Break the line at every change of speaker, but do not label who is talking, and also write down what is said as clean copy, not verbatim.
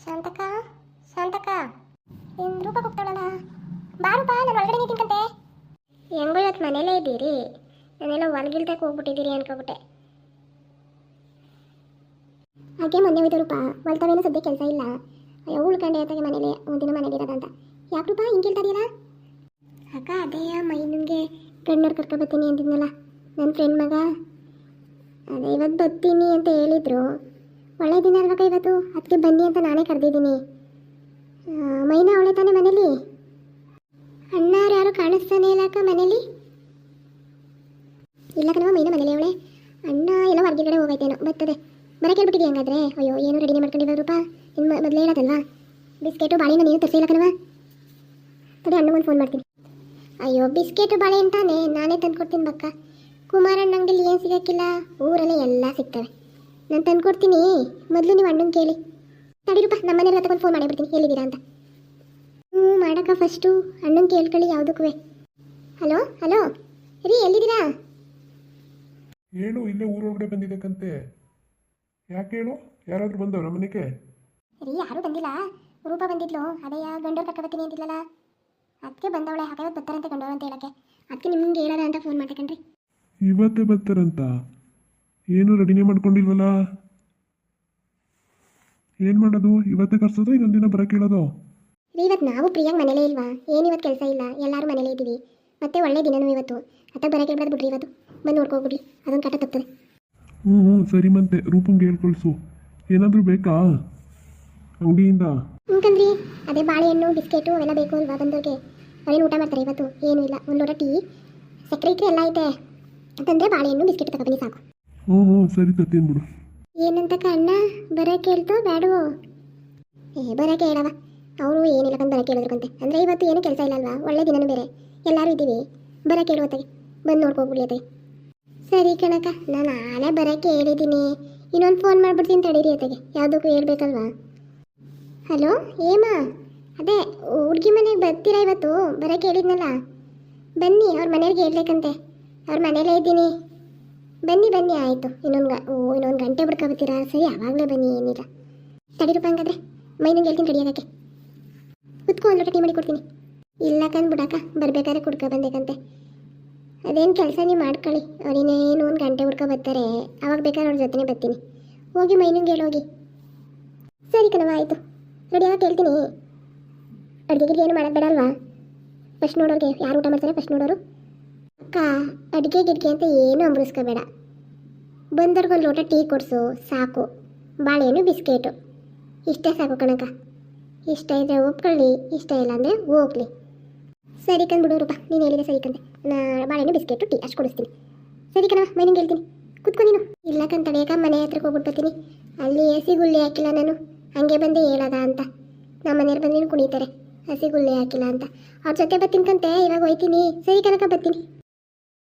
ಶಾಂತಕ ಶಾಂತಕ ಏನು ರೂಪ ಹೋಗ್ತಾಳಲ್ಲ ಬಾರು ಬಾ ನಾನು ಒಳಗಡೆ ನಿಂತಿನ್ಕಂತೆ ಹೆಂಗೋ ಇವತ್ತು ಮನೇಲೇ ಇದ್ದೀರಿ ನಾನೆಲ್ಲ ಹೊಲಗಿಲ್ತಕ್ಕೆ ಹೋಗ್ಬಿಟ್ಟಿದ್ದೀರಿ ಅನ್ಕೊಬಿಟ್ಟೆ ಹಾಗೆ ಮೊನ್ನೆ ಹೋಯ್ತು ರೂಪ ಹೊಲ್ತಾವೇನೋ ಸದ್ಯ ಕೆಲಸ ಇಲ್ಲ ಅಯ್ಯೋ ಉಳ್ಕೊಂಡೆ ಆತಾಗೆ ಮನೇಲಿ ಒಂದಿನ ಮನೇಲಿ ಇರೋದಂತ ಯಾಕೆ ರೂಪ ಹಿಂಗೆ ಕೇಳ್ತಾರಿಯಲ್ಲ ಅಕ್ಕ ಅದೇ ಮೈನಿಗೆ ಗಂಡೋರು ಕರ್ಕೊಬತ್ತೀನಿ ಅಂತಿದ್ನಲ್ಲ ನನ್ನ ಫ್ರೆಂಡ್ ಮಗ ಅದೇ ಇವತ್ತು ಬರ್ತೀನಿ ಅಂತ ಹೇಳಿದ್ರು ಒಳ್ಳೆ ದಿನ ಅಲ್ವಕ್ಕ ಇವತ್ತು ಅದಕ್ಕೆ ಬನ್ನಿ ಅಂತ ನಾನೇ ಕರೆದಿದ್ದೀನಿ ಮೈನಾ ಅವಳೆ ತಾನೇ ಮನೇಲಿ ಅಣ್ಣ ಯಾರು ಕಾಣಿಸ್ತಾನೆ ಇಲ್ಲ ಅಕ್ಕ ಮನೇಲಿ ಇಲ್ಲ ಕಣವ ಮೈನಾ ಮನೇಲಿ ಅವಳೆ ಅಣ್ಣ ಎಲ್ಲ ಹೊರಗಡೆ ಹೋಗೈತೇನೋ ಬರ್ತದೆ ಬರಕ್ಕೆ ಹೇಳ್ಬಿಟ್ಟಿದ್ದೀವಿ ಹಂಗಾದ್ರೆ ಅಯ್ಯೋ ಏನು ರೆಡಿನೇ ಮಾಡ್ಕೊಂಡಿರೋ ರೂಪ ಇನ್ನು ಮೊದಲೇ ಹೇಳೋದಲ್ವಾ ಬಿಸ್ಕೆಟು ಬಾಳೆನ ನೀನು ತರಿಸಿಲ್ಲ ಕಣವ ತಡೆ ಅಣ್ಣಗೊಂದು ಫೋನ್ ಮಾಡ್ತೀನಿ ಅಯ್ಯೋ ಬಿಸ್ಕೆಟು ಬಾಳೆ ಅಂತಾನೆ ನಾನೇ ತಂದ್ಕೊಡ್ತೀನಿ ಬಕ್ಕ ಕುಮಾರಣ್ಣ ಅಂಗಡಿಲಿ ಏನು ಸಿಗೋಕ್ಕಿಲ್ಲ ಊರಲ್ಲೇ ಎಲ್ಲ ಸಿಗ್ತವೆ ನಾನು ತಂದ್ಕೊಡ್ತೀನಿ ಮೊದಲು ನೀವು ಅಣ್ಣನ ಕೇಳಿ ತಡಿರೂಪ ನಮ್ಮ ಮನೆಯಲ್ಲ ತಗೊಂಡು ಫೋನ್ ಮಾಡಿಬಿಡ್ತೀನಿ ಎಲ್ಲಿದ್ದೀರಾ ಅಂತ ಮಾಡಕ್ಕ ಫಸ್ಟು ಅಣ್ಣನ ಕೇಳ್ಕೊಳ್ಳಿ ಯಾವುದಕ್ಕೂ ಹಲೋ ಹಲೋ ರೀ ಎಲ್ಲಿದ್ದೀರಾ
ಹೇಳು ಇಲ್ಲೇ ಊರೊಳಗಡೆ ಬಂದಿದ್ದಕ್ಕಂತೆ ಯಾಕೆ ಹೇಳು ಯಾರಾದರೂ ಬಂದವ್ರ ಮನೆಗೆ
ರೀ ಯಾರೂ ಬಂದಿಲ್ಲ ರೂಪ ಬಂದಿದ್ಲು ಅದೇ ಗಂಡೋರು ಕರ್ಕೊಬತ್ತೀನಿ ಅಂತಿಲ್ಲಲ್ಲ ಅದಕ್ಕೆ ಬಂದವಳೆ ಹಾಗಾದ್ರೆ ಬರ್ತಾರಂತೆ ಗಂಡೋರು ಅಂತ ಹೇಳಕ್ಕೆ ಅದಕ್ಕೆ ನಿಮ್ಗೆ ಹೇಳೋಣ ಅಂತ ಫೋನ್ ಮಾಡ್ದೆ ಕಣ್ರಿ
ಇವತ್ತೇ ಬರ್ತಾರಂತ ಏನು ರೆಡಿನೇ ಮಾಡ್ಕೊಂಡಿಲ್ವಲ್ಲ ಏನು ಮಾಡೋದು ಇವತ್ತೇ ಕರ್ಸೋದು ಇನ್ನೊಂದಿನ ಬರೋಕೆ ಹೇಳೋದು
ರೀ ಇವತ್ತು ನಾವು ಪ್ರಿಯಾಂಗ್ ಮನೇಲೇ ಇಲ್ವಾ ಏನು ಇವತ್ತು ಕೆಲಸ ಇಲ್ಲ ಎಲ್ಲರೂ ಮನೇಲೇ ಇದ್ದೀವಿ ಮತ್ತೆ ಒಳ್ಳೆ ದಿನನೂ ಇವತ್ತು ಅತ್ತ ಬರೋಕೆ ಹೇಳ್ಬಾರ್ದು ಬಿಡ್ರಿ ಇವತ್ತು ಬಂದು ನೋಡ್ಕೋಗ್ಬಿಡ್ರಿ ಅದೊಂದು ಕಟ ತಪ್ತದೆ
ಹ್ಞೂ ಸರಿ ಮತ್ತೆ ರೂಪಂಗೆ ಹೇಳ್ಕೊಳ್ಸು ಏನಾದರೂ ಬೇಕಾ ಅಂಗಡಿಯಿಂದ
ಹ್ಞೂಕಂದ್ರಿ ಅದೇ ಬಾಳೆಹಣ್ಣು ಬಿಸ್ಕೆಟು ಅವೆಲ್ಲ ಬೇಕು ಅಲ್ವಾ ಬಂದವ್ರಿಗೆ ಅವರೇನು ಊಟ ಮಾಡ್ತಾರೆ ಇವತ್ತು ಏನೂ ಇಲ್ಲ ಒಂದು ಲೋಟ ಟೀ ಸಕ್ಕರೆ ಇಟ್ಟರೆ ಎಲ್ಲ ಐತೆ ಅಂತಂದರೆ ಬಾಳೆಹಣ್ಣು ಬಿಸ್ಕೆಟ್ ತಗೊಬನ್ನಿ ಸಾಕು
ಹ್ಞೂ ಸರಿ ತತ್ತೇನು ಬಿಡು
ಏನಂತಕ್ಕ ಅಣ್ಣ ಬರೋಕೆ ಹೇಳ್ತೋ ಬೇಡವೋ ಬರೋಕೆ ಹೇಳವ ಅವರು ಏನಿಲ್ಲ ಕಂಡು ಬರೋಕೆ ಹೇಳಿದ್ರಂತೆ ಅಂದರೆ ಇವತ್ತು ಏನೂ ಕೆಲಸ ಇಲ್ಲ ಅಲ್ವಾ ಒಳ್ಳೆ ದಿನನೂ ಬೇರೆ ಎಲ್ಲರೂ ಇದ್ದೀವಿ ಬರೋಕೆ ಹೇಳುವತ್ತಾಗೆ ಬಂದು ನೋಡ್ಕೋಗ್ಬಿಡಿ ಅತ್ತೆ ಸರಿ ಕಣಕ್ಕ ನಾನು ನಾಳೆ ಬರೋಕ್ಕೆ ಹೇಳಿದ್ದೀನಿ ಇನ್ನೊಂದು ಫೋನ್ ಮಾಡ್ಬಿಡ್ತೀನಿ ತಡೀರಿ ಅತ್ತಗೆ ಯಾವುದಕ್ಕೂ ಹೇಳ್ಬೇಕಲ್ವಾ ಹಲೋ ಏಮಾ ಅದೇ ಹುಡುಗಿ ಮನೆಗೆ ಬರ್ತೀರಾ ಇವತ್ತು ಬರೋಕ್ಕೆ ಹೇಳಿದ್ನಲ್ಲ ಬನ್ನಿ ಅವ್ರ ಮನೆಯವ್ರಿಗೆ ಹೇಳ್ಬೇಕಂತೆ ಅವ್ರ ಮನೇಲೇ ಇದ್ದೀನಿ ಬನ್ನಿ ಬನ್ನಿ ಆಯಿತು ಇನ್ನೊಂದು ಗಂಟೆ ಬಿಡ್ಕೊಬತ್ತೀರಾ ಸರಿ ಆವಾಗಲೇ ಬನ್ನಿ ಏನಿಲ್ಲ ತಡೀರಪ್ಪ ಹಂಗಾದ್ರೆ ಮೈನಿಗೆ ಹೇಳ್ತೀನಿ ಕಡಿಯೋದಕ್ಕೆ ಕುತ್ಕೊ ಒಂದು ಲೋಟ ಟೀ ಮಾಡಿ ಕೊಡ್ತೀನಿ ಇಲ್ಲ ಕಂದು ಬಿಡಕ್ಕ ಬರ್ಬೇಕಾದ್ರೆ ಕುಡ್ಕೊ ಬಂದೇಕಂತೆ ಅದೇನು ಕೆಲಸ ನೀವು ಮಾಡ್ಕೊಳ್ಳಿ ಅವ್ರಿನ್ನೇನು ಒಂದು ಗಂಟೆ ಹುಡ್ಕೊ ಬರ್ತಾರೆ ಅವಾಗ ಬೇಕಾದ್ರೆ ಅವ್ರ ಜೊತೆನೇ ಬರ್ತೀನಿ ಹೋಗಿ ಮೈನಿಗೆ ಹೇಳೋಗಿ ಸರಿ ಕಣವ ಆಯಿತು ರೆಡಿ ಆಗಿ ಹೇಳ್ತೀನಿ ಅಡುಗೆಗೆ ಏನು ಮಾಡೋದು ಬೇಡ ಅಲ್ವಾ ಫಸ್ಟ್ ನೋಡೋರಿಗೆ ಯಾರು ಊಟ ಮಾಡ್ತಾರೆ ಫಸ್ಟ್ ನೋಡೋರು ಅಕ್ಕ ಅಡುಗೆ ಗಿಡ್ಗೆ ಅಂತ ಏನು ಅಂಬರಿಸ್ಕೋಬೇಡ ಬಂದವ್ರಿಗೊಂದು ಲೋಟ ಟೀ ಕೊಡಿಸು ಸಾಕು ಬಾಳೆಹಣ್ಣು ಬಿಸ್ಕೆಟು ಇಷ್ಟೇ ಸಾಕು ಕಣಕ್ಕ ಇಷ್ಟ ಇದ್ದರೆ ಒಪ್ಕೊಳ್ಳಿ ಇಷ್ಟ ಇಲ್ಲ ಅಂದರೆ ಹೋಗ್ಲಿ ಸರಿ ಕಂದು ಬಿಡು ರೂಪ ನೀನು ಹೇಳಿದೆ ಸರಿ ಕಂದೆ ಬಾಳೆಹಣ್ಣು ಬಿಸ್ಕೆಟು ಟೀ ಅಷ್ಟು ಕೊಡಿಸ್ತೀನಿ ಸರಿ ಕಣವ ಮೈನಿಗೆ ಹೇಳ್ತೀನಿ ಕುತ್ಕೊ ನೀನು ಇಲ್ಲ ಕಂತ ತಡೆಯಕ ಮನೆ ಹತ್ರಕ್ಕೆ ಹೋಗ್ಬಿಡ್ತೀನಿ ಅಲ್ಲಿ ಹಸಿ ಗುಳ್ಳಿ ಹಾಕಿಲ್ಲ ನಾನು ಹಂಗೆ ಬಂದು ಹೇಳೋದ ಅಂತ ನಮ್ಮ ಮನೆಯವ್ರು ಬಂದು ಕುಣಿತಾರೆ ಹಸಿ ಗುಳ್ಳಿ ಹಾಕಿಲ್ಲ ಅಂತ ಅವ್ರ ಜೊತೆ ಬರ್ತೀನಿ ಕಂತೆ ಇವಾಗ ಹೋಯ್ತೀನಿ ಸರಿ ಕನಕ ಬರ್ತೀನಿ